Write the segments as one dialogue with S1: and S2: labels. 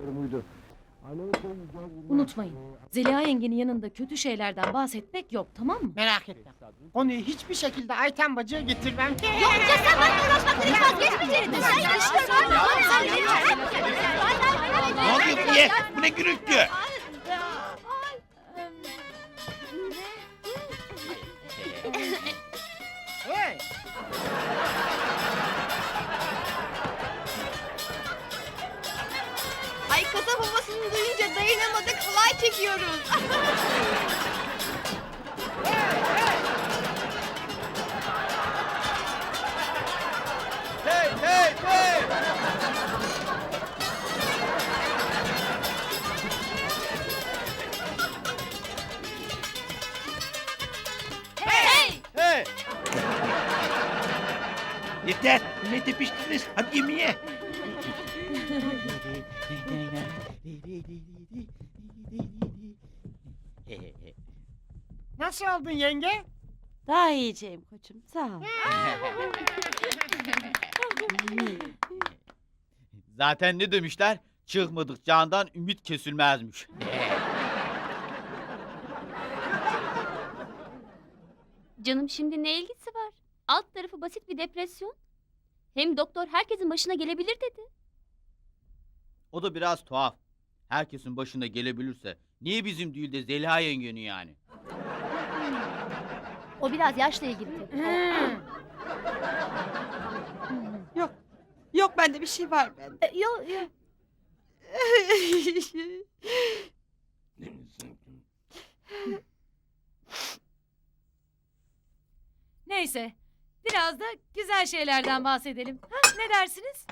S1: Unutmayın, Zeliha yengenin yanında kötü şeylerden bahsetmek yok, tamam mı?
S2: Merak etme. Konuyu hiçbir şekilde Ayten bacıya getirmem.
S3: Ya sen benimle uğraşmaktan hiç vazgeçmeyeceğini. Sen yaşıyorsun.
S4: Ne oluyor diye? Bu ne gürültü?
S2: Hey!
S3: Ay kasap babasını duyunca dayanamadık halay çekiyoruz.
S4: Hey hey hey!
S3: Hey!
S4: Hey! Yeter! Ne tepiştiniz? Hadi yemeğe!
S2: Nasıl oldun yenge?
S5: Daha iyiceyim koçum, sağ ol.
S6: Zaten ne demişler? Çıkmadık candan ümit kesilmezmiş.
S7: Canım şimdi ne ilgisi var? Alt tarafı basit bir depresyon. Hem doktor herkesin başına gelebilir dedi.
S6: O da biraz tuhaf. Herkesin başına gelebilirse niye bizim değil de Zeliha yengenin yani?
S7: O biraz yaşla ilgili.
S5: Yok bende bir şey var bende.
S7: Yok.
S1: Neyse, biraz da güzel şeylerden bahsedelim. Ha, ne dersiniz?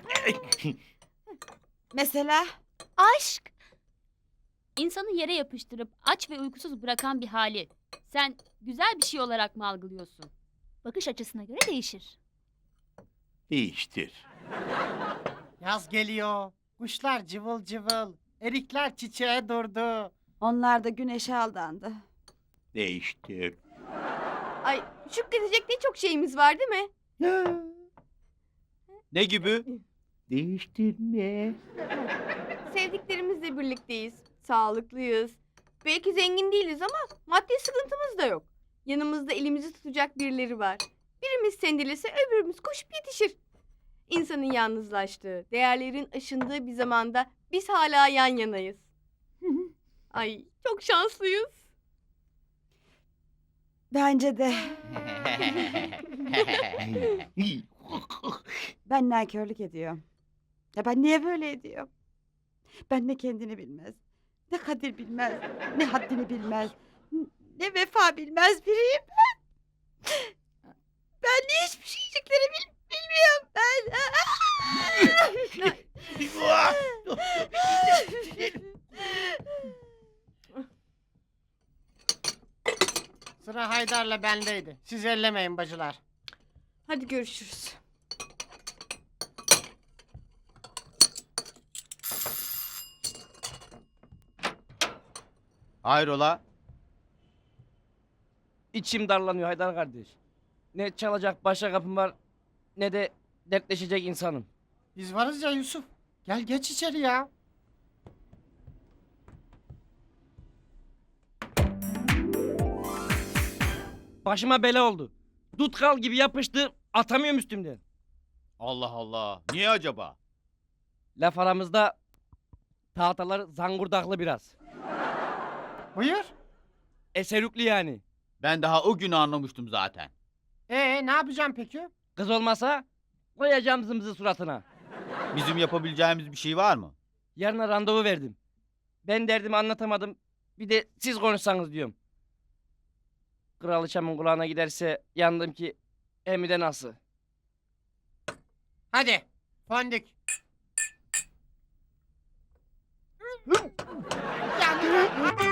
S5: Mesela
S7: Aşk. İnsanı yere yapıştırıp aç ve uykusuz bırakan bir hali. Sen güzel bir şey olarak mı algılıyorsun? Bakış açısına göre değişir.
S4: Değiştir.
S2: Yaz geliyor. Kuşlar cıvıl cıvıl. Erikler çiçeğe durdu.
S5: onlar da güneşe aldandı.
S4: Değiştir.
S3: Ay şükredecek ne çok şeyimiz var değil mi?
S6: Ne gibi?
S4: Değiştirme.
S3: Sevdiklerimizle birlikteyiz. Sağlıklıyız. Belki zengin değiliz ama maddi sıkıntımız da yok. Yanımızda elimizi tutacak birileri var. Birimiz sendelese öbürümüz koşup yetişir. İnsanın yalnızlaştığı, değerlerin aşındığı bir zamanda biz hala yan yanayız. Ay çok şanslıyız.
S5: Bence de. Ben nankörlük ediyorum. Ya ben niye böyle ediyorum? Ben ne kendini bilmez, ne kadir bilmez, ne haddini bilmez, ne vefa bilmez biriyim ben. Ben niye hiçbir şeycikleri bilmiyorum ben.
S2: Sıra Haydar'la bendeydi. Siz ellemeyin bacılar.
S3: Hadi görüşürüz.
S6: Hayrola?
S8: İçim darlanıyor Haydar kardeş. Ne çalacak başka kapım var ne de dertleşecek insanım.
S2: Biz varız ya Yusuf. Gel geç içeri ya.
S8: Başıma bela oldu. Tutkal gibi yapıştı atamıyorum üstümden.
S6: Allah Allah. Niye acaba?
S8: Laf aramızda tahtalar zangurdaklı biraz.
S2: Buyur.
S8: Eserüklü yani.
S6: Ben daha o günü anlamıştım zaten.
S2: Ne yapacağım peki?
S8: Kız olmasa koyacağım zımzı suratına.
S6: Bizim yapabileceğimiz bir şey var mı?
S8: Yarına randevu verdim. Ben derdimi anlatamadım. Bir de siz konuşsanız diyorum. Kraliçemin kulağına giderse yandım ki hem de nasıl.
S2: Hadi. Fondük. Ya,